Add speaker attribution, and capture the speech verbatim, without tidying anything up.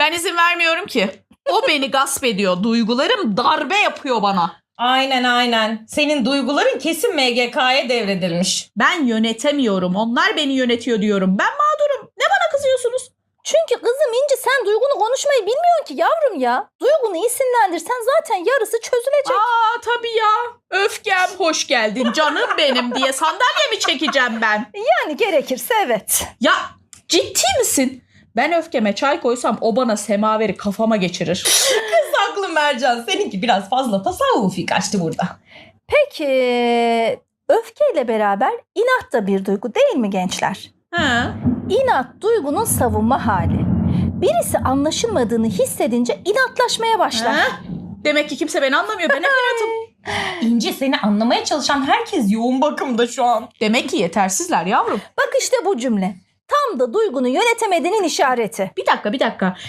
Speaker 1: Ben izin vermiyorum ki. O beni gasp ediyor. Duygularım darbe yapıyor bana.
Speaker 2: Aynen aynen. Senin duyguların kesin M G K'ya devredilmiş.
Speaker 1: Ben yönetemiyorum. Onlar beni yönetiyor diyorum. Ben mağdurum. Ne bana kızıyorsunuz?
Speaker 3: Çünkü kızım İnci sen duygunu konuşmayı bilmiyorsun ki yavrum ya. Duygunu isimlendirsen zaten yarısı çözülecek.
Speaker 1: Aa tabii ya. Öfkem hoş geldin canım benim diye sandalye mi çekeceğim ben?
Speaker 3: Yani gerekirse evet.
Speaker 1: Ya ciddi misin? Ben öfkeme çay koysam o bana semaveri kafama geçirir.
Speaker 2: Kız haklı Mercan. Seninki biraz fazla tasavvufi kaçtı burada.
Speaker 3: Peki öfkeyle beraber inat da bir duygu değil mi gençler?
Speaker 1: Ha.
Speaker 3: İnat duygunun savunma hali. Birisi anlaşılmadığını hissedince inatlaşmaya başlar.
Speaker 1: Ha? Demek ki kimse beni anlamıyor. Ben hep inatım.
Speaker 2: İnci seni anlamaya çalışan herkes yoğun bakımda şu an.
Speaker 1: Demek ki yetersizler yavrum.
Speaker 3: Bak işte bu cümle. Tam da duygunu yönetemediğinin işareti.
Speaker 1: Bir dakika bir dakika.